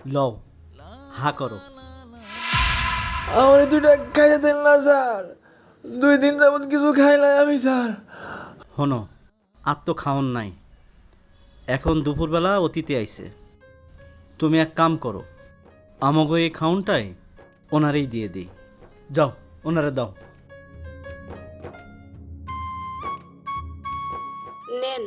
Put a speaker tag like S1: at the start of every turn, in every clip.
S1: লও, হা করো।
S2: আমার দুইটা খাইয়ে দেন না স্যার, 2 দিন যাবত কিছু খাই নাই আমি স্যার।
S1: হনো, আর তো খাওন নাই, এখন দুপুরবেলা অতিথি আইছে। তুমি এক কাম করো, আমাগো এই খাউনটাই ওনারেই দিয়ে দিই। যাও, ওনারে দাও।
S3: নেন।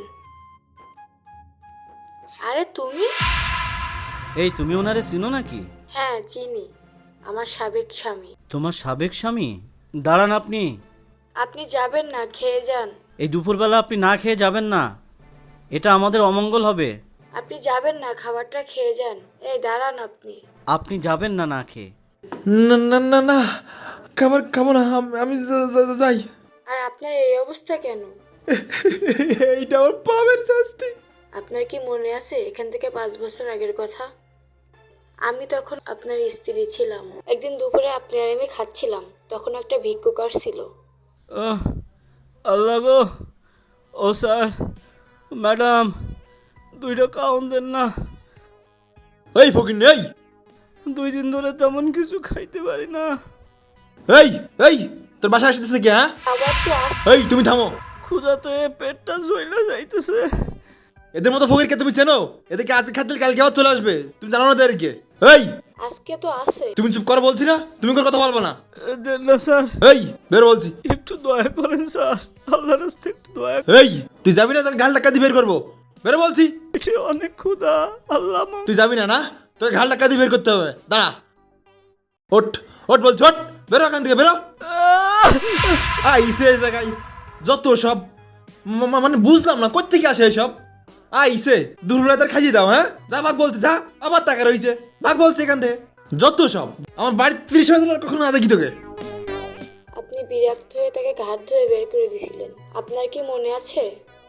S3: আরে তুমি?
S1: এই তুমি ওনারে চিনো নাকি?
S3: হ্যাঁ চিনি, আমার সাবেক স্বামী।
S1: তোমার সাবেক স্বামী? দাঁড়ান আপনি।
S3: আপনি যাবেন না, খেয়ে যান।
S1: এই দুপুরবেলা আপনি না খেয়ে যাবেন না, এটা আমাদের অমঙ্গল হবে।
S3: আপনি যাবেন না, খাবারটা খেয়ে যান। এই দাঁড়ান আপনি।
S1: আপনি যাবেন না না খেয়ে।
S2: না না না না, খাবার খাবো না, আমি যাই।
S3: আর আপনার এই অবস্থা কেন?
S2: এইটা আমার পাপের শাস্তি।
S3: আপনার কি মনে আছে এখান থেকে 5 বছর আগের কথা? আমি তখন আপনার স্ত্রী ছিলাম। একদিন দুপুরে আপনি আর আমি খাচ্ছিলাম, তখন একটা ভিক্ষুক ছিল।
S1: আহ, আল্লাহ গো, ও স্যার, ম্যাডাম, 2টা খাওন দেন না।
S2: এই ফকির এই
S1: 2 দিন ধরে তেমন কিছু খাইতে পারি না।
S2: এই এই তোর বাসায় আসতেছে কি? হ্যাঁ,
S3: আবার তো
S2: এই তুমি থামো।
S1: ক্ষুধাতে পেটটা জ্বইলা যাইতেছে।
S2: এদের মতো ফকিরকে তুমি চেনো? এদেরকে আজকে খাদ্য কালকে আবার চলে আসবে, তুমি জানো না এদেরকে? এই
S3: আজকে তো আছে।
S2: তুমি চুপ করো বলছি না, তুমি কোনো কথা বলবো না।
S1: দেন না স্যার,
S2: এই বের বলছি।
S1: একটু দয়া করেন স্যার, আল্লাহর রাস্তে একটু দয়া।
S2: এই তুই যাবি না, তার ঘাল টাকা দিয়ে বের করবো। বেরো বলছি।
S1: পেটে অনেক ক্ষুধা, আল্লাহ
S2: তুই যাবি না না, তোকে ঘাল টাকা দিয়ে বের করতে হবে। দাঁড়া, ওঠ ওঠ বলছি, ওঠ, বেরো এখান থেকে, বেরো। আইসে এই জায়গায় যত সব মানে বুঝলাম না কোত্থেকে আসে এসব। আইসে দুপুরবেলা তার খাইয়ে দাও। হ্যাঁ, যা ভাগ বলছি, যা, আবার টাকা রয়েছে, ভাগ বলছে এখান থেকে। যত সব আমার বাড়ির 30 মাস কখনো না দেখি তোকে।
S3: আপনি বিরক্ত হয়ে তাকে ঘাট ধরে বের করে দিয়েছিলেন, আপনার কি মনে আছে?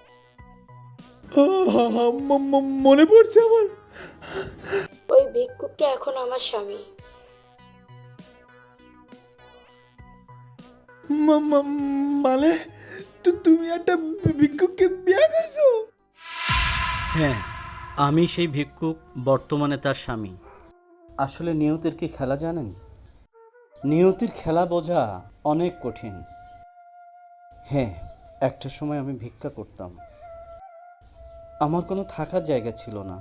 S2: মনে পড়ছে আমার।
S3: ওই ভিক্ষুকটা এখন আমার স্বামী।
S2: মানে তুমি একটা ভিক্ষুককে বিয়ে করছো?
S1: হ্যাঁ, আমি সেই ভিক্ষুক, বর্তমানে তার স্বামী। আসলে নিয়তির কি খেলা জানেন? নিয়তির খেলা বোঝা অনেক কঠিন। হ্যাঁ, একটা সময় আমি ভিক্ষা করতাম, আমার কোনো থাকার জায়গা ছিল না,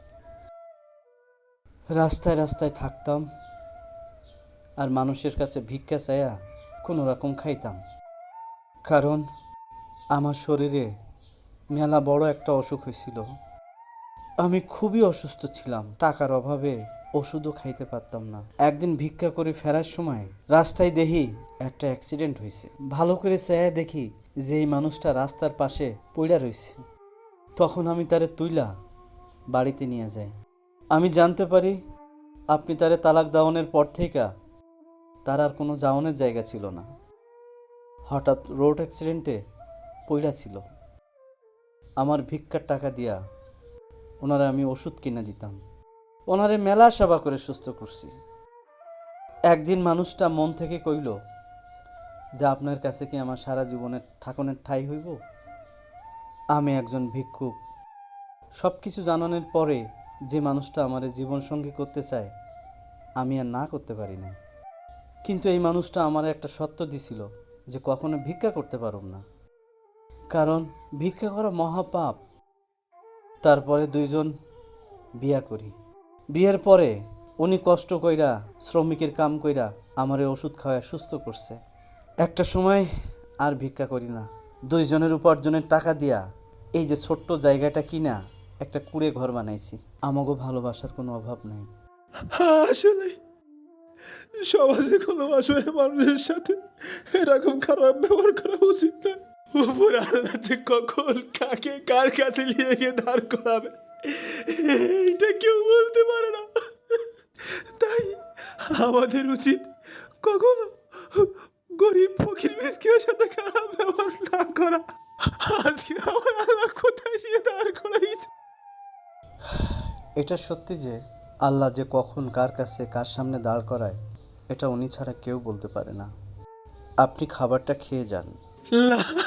S1: রাস্তায় রাস্তায় থাকতাম আর মানুষের কাছে ভিক্ষা চাইয়া কোনো রকম খাইতাম। কারণ আমার শরীরে মেলা বড় একটা অসুখ হয়েছিল, আমি খুবই অসুস্থ ছিলাম, টাকার অভাবে ওষুধও খাইতে পারতাম না। একদিন ভিক্ষা করে ফেরার সময় রাস্তায় দেখি একটা অ্যাক্সিডেন্ট হয়েছে। ভালো করে চেয়ে দেখি যে এই মানুষটা রাস্তার পাশে পড়ে রয়েছে। তখন আমি তারে তুইলা বাড়িতে নিয়ে যাই। আমি জানতে পারি আপনি তারে তালাক দেওয়ানোর পর থেকে তার আর কোনো যাওয়ানোর জায়গা ছিল না। হঠাৎ রোড অ্যাক্সিডেন্টে পইড়া ছিল। আমার ভিক্ষার টাকা দিয়া ওনারে আমি ওষুধ কিনে দিতাম, ওনারে মেলা সেবা করে সুস্থ করছি। একদিন মানুষটা মন থেকে কইল যে আপনার কাছে কি আমার সারা জীবনের ঠাকুরের ঠাঁই হইব? আমি একজন ভিক্ষুক, সব কিছু জানানোর পরে যে মানুষটা আমার জীবনসঙ্গী করতে চায় আমি আর না করতে পারি না। কিন্তু এই মানুষটা আমার একটা সত্য দিছিল যে কখনো ভিক্ষা করতে পারব না, কারণ ভিক্ষা করা মহাপাপ। তারপরে 2জন বিয়া করি। বিয়ের পরে উনি কষ্ট কইরা শ্রমিকের কাম কইরা আমারে ওষুধ খাওয়ায় সুস্থ করছে। একটা সময় আর ভিক্ষা করি না, 2জনের উপার্জনের টাকা দিয়া এই যে ছোট্ট জায়গাটা কিনা একটা কুড়ে ঘর বানাইছি। আমাগো ভালোবাসার কোনো অভাব নাই।
S2: আসলে সমাজে কোনো অসহায় মানুষের সাথে এরকম খারাপ ব্যবহার করা উচিত না। উপর আল্লাহ যে কখন কাকে কার কাছে নিয়ে গিয়ে দাঁড় করাবে এইটা কেউ বলতে পারে না। তাই আমাদের উচিত কখনো গরিব ফকির মিসকিনের সাথে খারাপ ব্যবহার না করা। আজকে আমার আল্লাহ কোথায় নিয়ে দাঁড় করাইছে।
S1: এটা সত্যি যে আল্লাহ যে কখন কার কাছে কার সামনে দাঁড় করায় এটা উনি ছাড়া কেউ বলতে পারে না। আপনি খাবারটা খেয়ে যান।
S2: লা